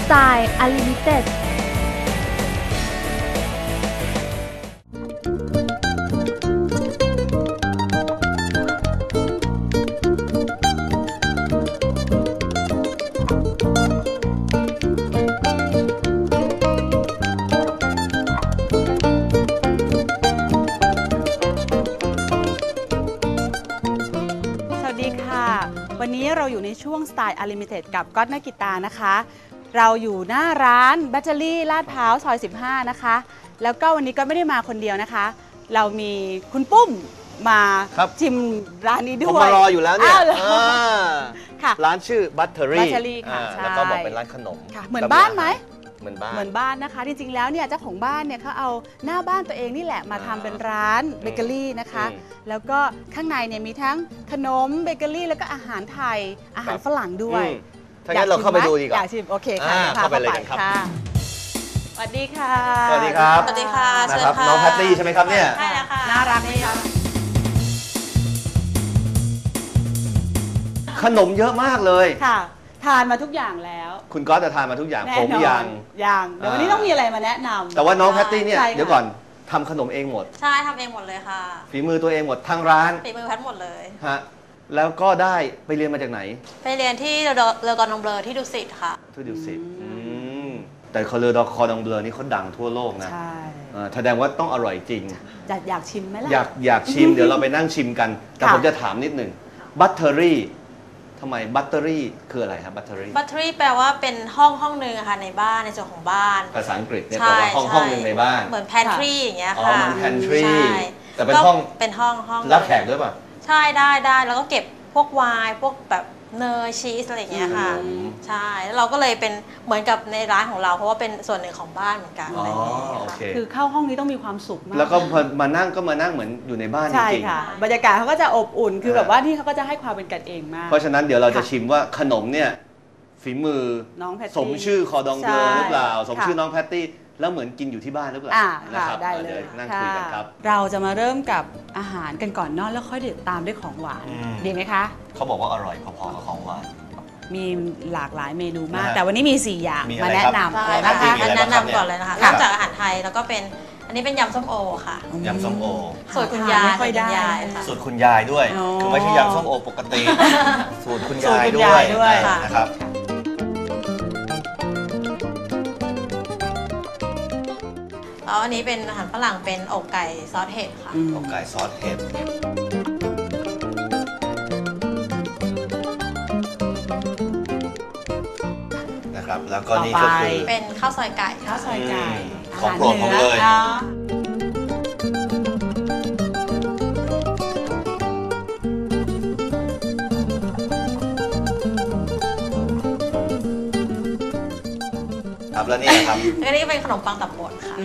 Style Unlimited วันนี้เราอยู่ในช่วง Style Unlimited กับก๊อตนักกีตาร์นะคะเราอยู่หน้าร้านแบตเตอรี่ลาดพร้าวซอย15นะคะแล้วก็วันนี้ก็ไม่ได้มาคนเดียวนะคะเรามีคุณปุ้มมาชิมร้านนี้ด้วยผมมารออยู่แล้วเนี่ยค่ะร้านชื่อบัตเตอรี่ค่ะแล้วก็บอกเป็นร้านขนมเหมือนบ้านไหมเหมือนบ้านนะคะจริงๆแล้วเนี่ยเจ้าของบ้านเนี่ยเขาเอาหน้าบ้านตัวเองนี่แหละมาทำเป็นร้านเบเกอรี่นะคะแล้วก็ข้างในเนี่ยมีทั้งขนมเบเกอรี่แล้วก็อาหารไทยอาหารฝรั่งด้วยถ้างั้นเราเข้าไปดูดีกว่าอยากชิมโอเคค่ะเข้าไปเลยกันครับสวัสดีค่ะสวัสดีครับสวัสดีค่ะนะครับน้องแพตตี้ใช่ไหมครับเนี่ยใช่แล้วค่ะน่ารักไหมคะขนมเยอะมากเลยค่ะทานมาทุกอย่างแล้วคุณก๊อตจะทานมาทุกอย่างผมยังเดี๋ยววันนี้ต้องมีอะไรมาแนะนำแต่ว่าน้องแพตตี้เนี่ยเดี๋ยวก่อนทำขนมเองหมดใช่ทำเองหมดเลยค่ะฝีมือตัวเองหมดทั้งร้านฝีมือแพทหมดเลยฮะแล้วก็ได้ไปเรียนมาจากไหนไปเรียนที่เลอกอร์ดองเบลอที่ดุสิตค่ะที่ดุสิตแต่เลอกอร์ดองเบลอนี่เขาดังทั่วโลกนะใช่แสดงว่าต้องอร่อยจริงอยากชิมไหมล่ะอยากชิมเดี๋ยวเราไปนั่งชิมกันแต่ผมจะถามนิดหนึ่งบัตเตอรี่ทำไมบัตเตอรี่คืออะไรครับบัตเตอรี่แปลว่าเป็นห้องนึงค่ะในบ้านในส่วนของบ้านภาษาอังกฤษเนี่ยแปลว่าห้องนึงในบ้านเหมือนแพนทรีอย่างเงี้ยค่ะมันแพนทรีแต่เป็นห้องรับแขกด้วยป่ะใช่ได้แล้วก็เก็บพวกไวน์พวกแบบเนยชีสอะไรอย่างเงี้ยค่ะใช่แล้วเราก็เลยเป็นเหมือนกับในร้านของเราเพราะว่าเป็นส่วนหนึ่งของบ้านเหมือนกันอะไรอย่างเงี้ยค่ะคือเข้าห้องนี้ต้องมีความสุขมากแล้วก็มานั่งเหมือนอยู่ในบ้านจริงใช่ค่ะบรรยากาศเขาก็จะอบอุ่นคือแบบว่าที่เขาก็จะให้ความเป็นกันเองมากเพราะฉะนั้นเดี๋ยวเราจะชิมว่าขนมเนี่ยฝีมือน้องแพตตี้สมชื่อคอดองเบลอหรือเปล่าสมชื่อน้องแพตตี้แล้วเหมือนกินอยู่ที่บ้านหรือเปล่านะครับได้เลยนั่งคุยกันครับเราจะมาเริ่มกับอาหารกันก่อนเนาะแล้วค่อยเดี๋ยวตามด้วยของหวานดีไหมคะเขาบอกว่าอร่อยพอๆกับของหวานมีหลากหลายเมนูมากแต่วันนี้มี4อย่างมาแนะนำอะไรนะคะแนะนำก่อนเลยนะคะเริ่มจากอาหารไทยแล้วก็เป็นอันนี้เป็นยำส้มโอค่ะยำส้มโอสูตรคุณยายสูตรคุณยายด้วยคือไม่ใช่ยำส้มโอปกติสูตรคุณยายด้วยนะครับแล้วอันนี้เป็นอาหารฝรั่งเป็นอกไก่ซอสเห็ดค่ะอกไก่ซอสเห็ดนะครับแล้วก็นี่ก็คือเป็นข้าวซอยไก่ของโปรดผมเลยครับแล้วนี่ครับอันนี้เป็นขนมปังตับบดค่ะ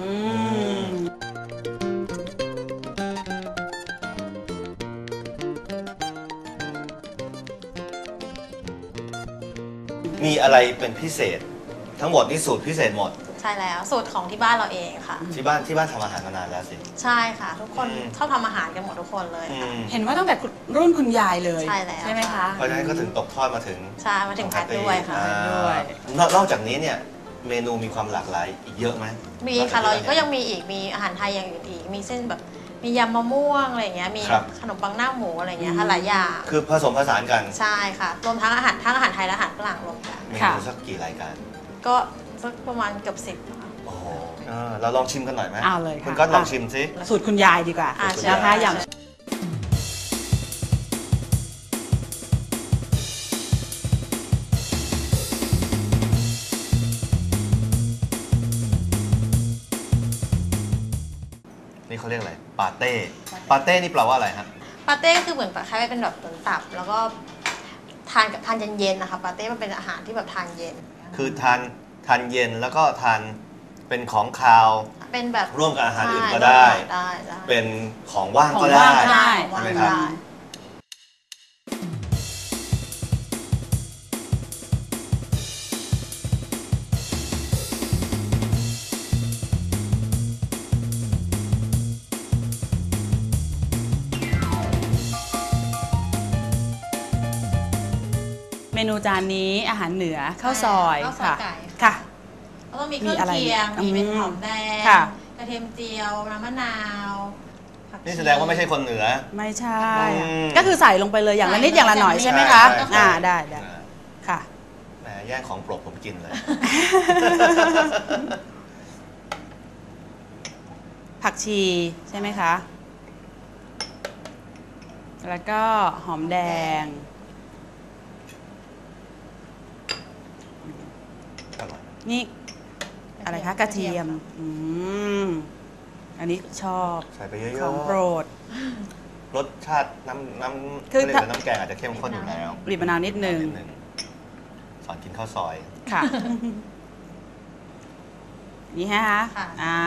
มีอะไรเป็นพิเศษทั้งหมดนี่สูตรพิเศษหมดใช่แล้วสูตรของที่บ้านเราเองค่ะที่บ้านทำอาหารมานานแล้วสิใช่ค่ะทุกคนชอบทำอาหารกันหมดทุกคนเลยค่ะเห็นว่าตั้งแต่รุ่นคุณยายเลยใช่แล้วใช่ไหมคะเพราะฉะนั้นก็ถึงตกทอดมาถึงแพทด้วยค่ะนอกจากนี้เนี่ยเมนูมีความหลากหลายอีกเยอะไหมมีค่ะเราก็ยังมีอีกมีอาหารไทยอย่างอื่นอีกมีเส้นแบบมียำมะม่วงอะไรอย่างเงี้ยมีขนมปังหน้าหมูอะไรอย่างเงี้ยค่ะหลายอย่างคือผสมผสานกันใช่ค่ะรวมทั้งอาหารไทยและอาหารฝรั่งรวมกันเมนูสักกี่รายการก็สักประมาณเกือบ10 โอ้โหเราลองชิมกันหน่อยไหมเอาเลยคุณก็ลองชิมสิสูตรคุณยายดีกว่านะคะอย่างนี่เขาเรียกอะไรปาเต้นี่แปลว่าอะไรฮะปาเต้ก็คือเหมือนคล้ายๆเป็นแบบตับแล้วก็ทานเย็นๆนะคะปาเต้มันเป็นอาหารที่แบบทานเย็นคือทานเย็นแล้วก็ทานเป็นของคาวเป็นแบบร่วมกับอาหารอื่นก็ได้เป็นของว่างก็ได้ใช่ไหมครับเมนูจานนี้อาหารเหนือข้าวซอยข้าวซอยค่ะไก่ค่ะแล้วก็มีเครื่องมีอะไรเคียงอืมมีเป็นหอมแดงค่ะกระเทียมเจียวน้ำมะนาวผักชีนี่แสดงว่าไม่ใช่คนเหนือไม่ใช่อืมก็คือใส่ลงไปเลยอย่างละนิดอย่างละหน่อยใช่ไหมคะใช่ได้ค่ะแหมแย่งของโปรดผมกินเลยผักชีใช่ไหมคะ แล้วก็หอมแดงอร่อยนี่อะไรคะกระเทียมอันนี้ชอบใส่ไปเยขอะองโปรดๆรสชาติน้ำคือเรียกว่าน้ำแกงอาจจะเข้มข้นอยู่แล้วบีบมะนาวนิดนึงสอนกินข้าวซอยค่ะ นี่ฮะค่ะ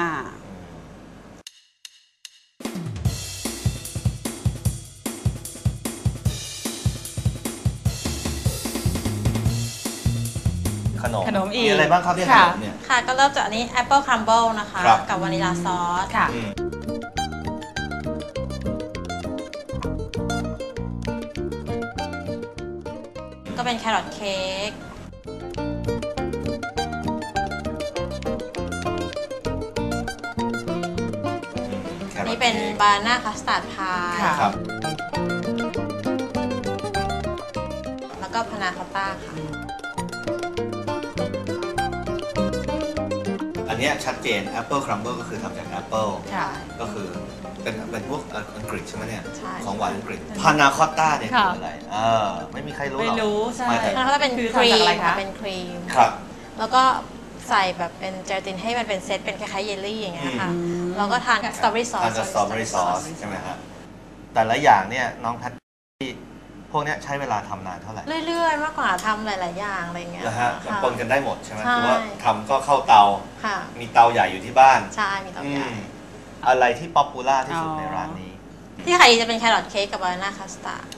ขนมอีกมีอะไรบ้างครับเนี่ยขค่ะนมเนี่ยค่ะก็เริ่มจากอันนี้ Apple Crumble นะคะครับกับวานิลาซอสค่ะอืมก็เป็นแครอทเค้กแครอันอทนี้เป็นค้กบานาน่าคัสตาร์ดพายค่ะครับแล้วก็พานาคอตต้าค่ะอันเนี้ยชัดเจน Apple Crumble ก็คือทำจาก Apple ค่ะก็คือเป็นพวกอังกฤษใช่ไหมเนี่ยใช่ของหวานอังกฤษพานาคอตต้าเนี่ยค่ะคืออะไรไม่มีใครรู้หรไม่อกรู้ใช่ไม่แต่พานาคอตต้าเป็นคือครีทำจากอะไรมคะเป็นครีมครับแล้วก็ใส่แบบเป็นเจลาตินให้มันเป็นเซตเป็นคล้ายๆเยลลี่อย่างเงี้ยค่ะอืมแล้วก็ทานกับสตรอเบอรี่ซอสทานกับสตรอเบอรี่ซอสใช่ไหมครับแต่ละอย่างเนี่ยน้องแพทตี้พวกเนี้ยใช้เวลาทำนานเท่าไหร่เรื่อยๆ มากกว่าทำหลายๆอย่างอะไรเงี้ยนะฮะค่ะปนกันได้หมดใช่ไหมใช่คือว่าทำก็เข้าเตาค่ะมีเตาใหญ่อยู่ที่บ้านใช่มีเตาใหญ่อะไรที่ป๊อปปูล่าที่สุดอ๋อในร้านนี้ที่ขายดีจะเป็นแครอทเค้กกับบานาน่าคัสตาร์ด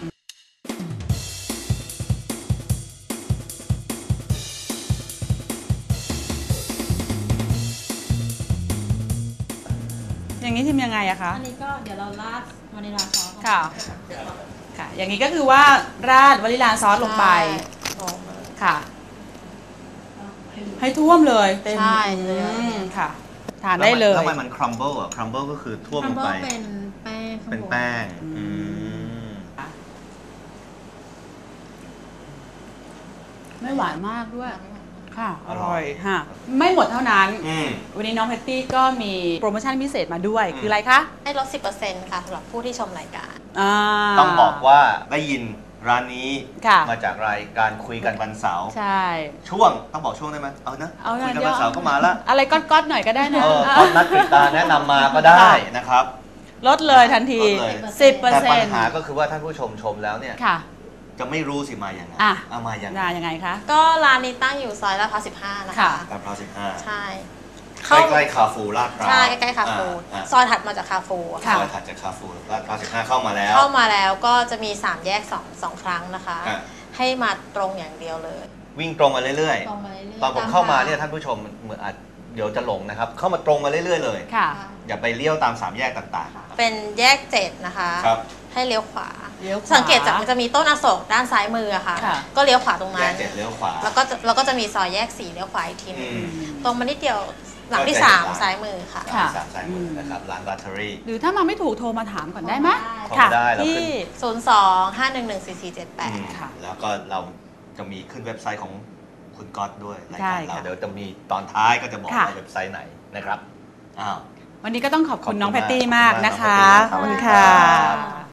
อย่างนี้ทำยังไงอะคะอันนี้ก็เดี๋ยวเราราดวานิลาซอสค่ะ ค่ะ อย่างนี้ก็คือว่าราดวานิลลาซอสลงไปลงเลยค่ะ ให้ท่วมเลยเต็มใช่เลยค่ะ ทานได้เลยแล้วมันครัมเบิลอ่ะครัมเบิลก็คือท่วมลงไปเป็นแป้งเป็นแป้งอืม ไม่หวานมากด้วย ค่ะ อร่อยค่ะ ไม่หมดเท่านั้น วันนี้น้องแพตตี้ก็มีโปรโมชั่นพิเศษมาด้วย คืออะไรคะให้ลด 10% ค่ะสำหรับผู้ที่ชมรายการต้องบอกว่าได้ยินร้านนี้ค่ะมาจากรายการคุยกันวันเสาร์ใช่ช่วงต้องบอกช่วงได้ไหมเอานะเอาคุยกันเดี๋ยววันเสาร์ก็มาละอะไรก๊อตๆหน่อยก็ได้นะตอนนัดกฤษตาแนะนำมาก็ได้นะครับลดเลยทันทีลดเลย 10% แต่ปัญหาก็คือว่าท่านผู้ชมแล้วเนี่ยค่ะจะไม่รู้สิมาอย่างไงอ่ะเอามาอย่างไงยังไงคะก็ร้านนี้ตั้งอยู่ซอยลาดพร้าว15 นะคะค่ะตามพร้าว15 ใช่ใกล้ๆคาฟูลาดพร้าวใช่ใกล้ๆคาฟูอ่าซอยถัดมาจากคาฟูอะค่ะซอยถัดจากคาฟูลาดพร้าว15เข้ามาแล้วเข้ามาแล้วก็จะมี 3 แยก2ครั้งนะคะอ่ะให้มาตรงอย่างเดียวเลยวิ่งตรงมาเรื่อยตรงมาเรื่อยๆๆ ตอนผมเข้ามาเนี่ยท่านผู้ชมเหมือนอาจเดี๋ยวจะหลงนะครับ เข้ามาตรงมาเรื่อยๆเลยค่ะอย่าไปเลี้ยวตาม3แยกต่างเป็นแยก7นะคะๆ ครับให้เลี้ยวขวาเลี้ยวขวาสังเกตจากมันจะมีต้นอโศกด้านซ้ายมืออะค่ะค่ะก็เลี้ยวขวาตรงแยนั้กน 7เลี้ยวขวาแล้วก็จะมีซอยแยก4เลี้ยวขวาอีกทีหนึงอืมตรงมานิดเดียวหลังที่ก็จะเห็นร้าน 3 ซ้ายมือค่ะค่ะสามสายมือนะครับร้านบัตเทอรี่หรือถ้ามาไม่ถูกโทรมาถามก่อนได้ไหมโทรค่ะได้เราขึ้นที่ 02-511-4478 ค่ะแล้วก็เราจะมีขึ้นเว็บไซต์ของคุณก๊อตด้วยรายใช่การเราค่ะเดี๋ยวจะมีตอนท้ายก็จะบอกค่ะว่าเว็บไซต์ไหนนะครับอ้าววันนี้ก็ต้องขอบคุณน้องขแพอบตคุณตี้มากมากนะคะขอบคุณขอบคุณครัค่ะบ